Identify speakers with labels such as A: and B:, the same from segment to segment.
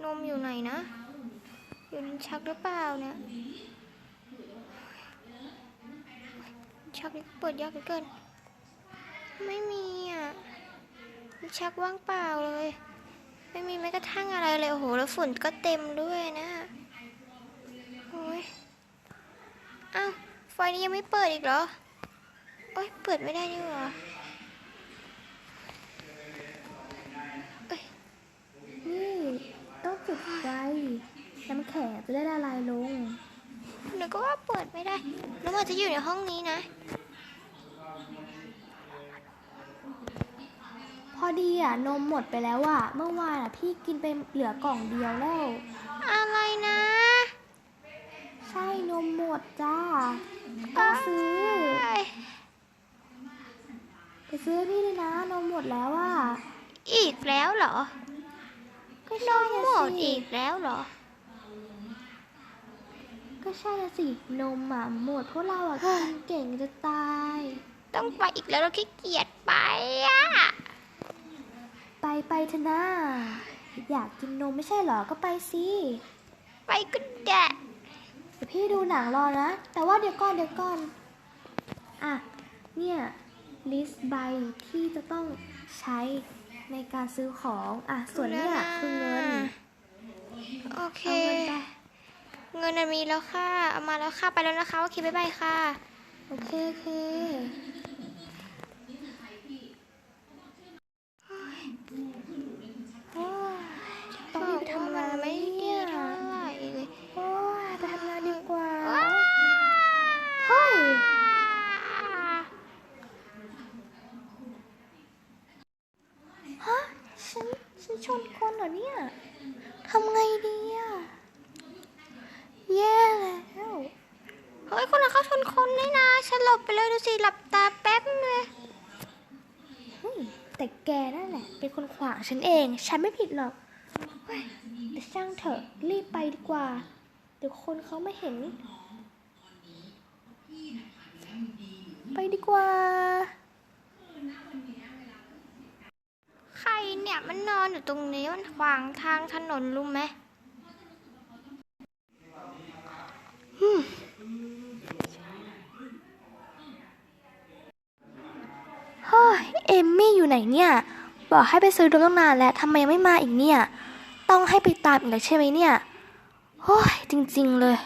A: นมอยู่ไหนนะอยู่ลิ้นชักหรือเปล่าเนี่ยชักนี่เปิดยากเหลือเกินไม่มีอ่ะลิ้นชักว่างเปล่าเลยไม่มีแม้กระทั่งอะไรเลยโอ้โหแล้วฝุ่นก็เต็มด้วยนะโอ้ยอ้าวไฟนี้ยังไม่เปิดอีกเหรอโอ้ยเปิดไม่ได้นี่หรอ
B: นี่ต้องจุดไฟน้ำแข็งจะได้ละลายลง
A: หนูก็ว่าเปิดไม่ได้แล้วมันจะอยู่ในห้องนี้นะ
B: พอดีนมหมดไปแล้วเมื่อวานพี่กินไปเหลือกล่องเดียวแล้ว
A: อะไรนะ
B: ใช่นมหมดจ้าต้องซื้อไปซื้อพี่เลยนะนมหมดแล้ว
A: อีกแล้วเหรอ
B: ก็
A: น
B: ใช่
A: มหมดอีกแล้วเหรอ
B: ก็ใช่สินมหมดเพราะเรากินเก่งจะตาย
A: ต้องไปอีกแล้วเราขี้เกียจไป
B: ไปเถอะนะอยากกินนมไม่ใช่เหรอก็ไปสิ
A: ไปก็ได้
B: เดี๋ยวพี่ดูหนังรอนะแต่ว่าเดี๋ยวก่อนเนี่ยลิสต์ใบที่จะต้องใช้ในการซื้อของส่วนเนี่ยคือเงิน
A: โอเคเงินมีแล้วค่ะเอามาแล้วค่ะไปแล้วนะคะโอเคบ๊ายบายค่ะ
B: โอเค
A: ต้องไปทำงานไม่ดีเท่าไหร่เลย
B: ไปทำงานดีกว่าเฮ้ยฮะฉันชนคนเหรอเนี่ยทำไงดีแย่แล้ว
A: เฮ้ยคนละเข้าชนคนนี่นะฉันหลบไปเลยดูสิหลับตาแป๊บเลย
B: แต่แกนั่นแหละเป็นคนขวางฉันเองฉันไม่ผิดหรอกแต่ช่างเถอะรีบไปดีกว่าเดี๋ยวคนเขาไม่เห็นไปดีกว่า
A: ใครเนี่ยมันนอนอยู่ตรงนี้มันขวางทางถนนรู้ไหม
B: เฮ้ยเอมมี่อยู่ไหนเนี่ยบอกให้ไปซื้อตั้งนานแล้วทำไมยังไม่มาอีกเนี่ยต้องให้ไปตามอีกแล้วใช่ไหมเนี่ยโอ้ยจริงๆเลย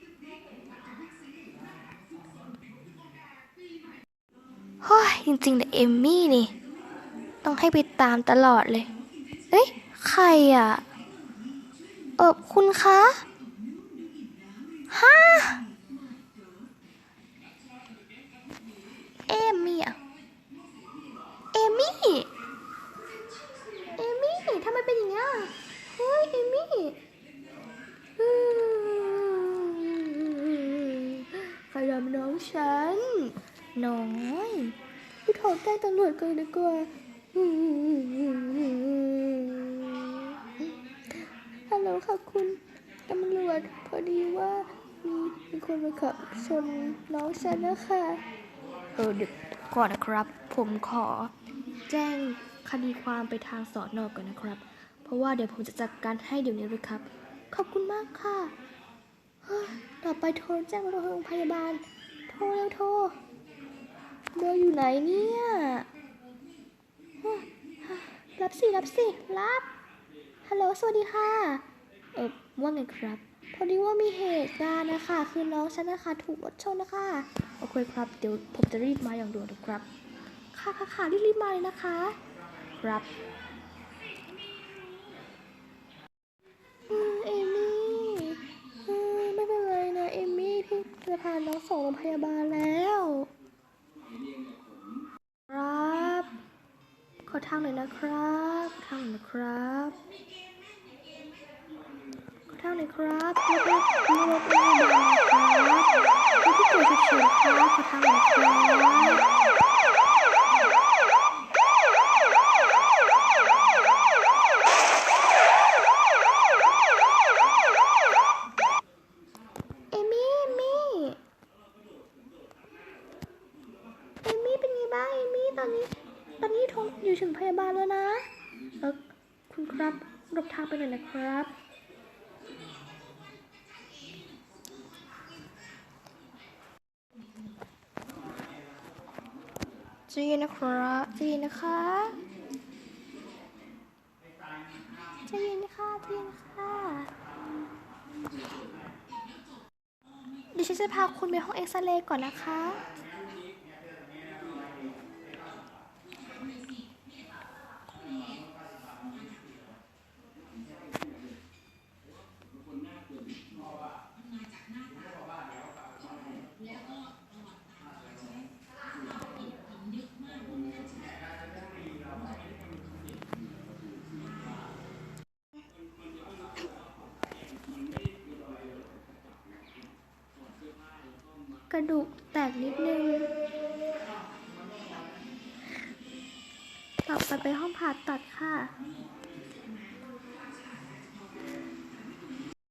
B: เฮ้ยจริงๆแต่เอมมี่นี่ต้องให้ไปตามตลอดเลยเอ้ยใครคุณคะฮะเอมมี่เอมมี่ทำไมเป็นอย่างเงี้ยเฮ้ยเอมมี่ใครทำน้องฉันน้อยพี่โทรแจ้งตำรวจกันดีกว่าฮัลโหลค่ะคุณตำรวจพอดีว่ามีคนมาขับชนน้องฉันนะคะเดี๋ยวก่อนนะครับผมขอแจ้งคดีความไปทางสน.ก่อนนะครับเพราะว่าเดี๋ยวผมจะจัดการให้เดี๋ยวนี้เลยครับขอบคุณมากค่ะต่อไปโทรแจ้งโรงพยาบาลโทรเบอร์อยู่ไหนเนี่ยรับสิรับฮัลโหลสวัสดีค่ะว่าไงครับพอดีว่ามีเหตุการณ์นะคะคือน้องฉันนะคะถูกรถชนนะคะโอเคครับเดี๋ยวผมจะรีบมาอย่างด่วนครับค่ะรีบมาเลยนะคะครับเอมี่ไม่เป็นไรนะเอมี่พี่จะพาน้องส่งโรงพยาบาลแล้วครับขอทางหน่อยนะครับขอทางหน่อยนะครับแล้วก็มีรถพยาบาลนะครับที่เกิดฉุกเฉินครับขอทางหน่อยครับเอมี่เป็นไงบ้างเอมี่ตอนนี้อยู่ถึงพยาบาลแล้วนะคุณครับหลบทางไปหน่อยนะครับจีนะครับจีนะคะจีนะคะจีนะคะดิฉันจะพาคุณไปห้องเอ็กซเรย์ก่อนนะคะ กระดูกแตกนิดนึงต่อไปห้องผ่าตัดค่ะ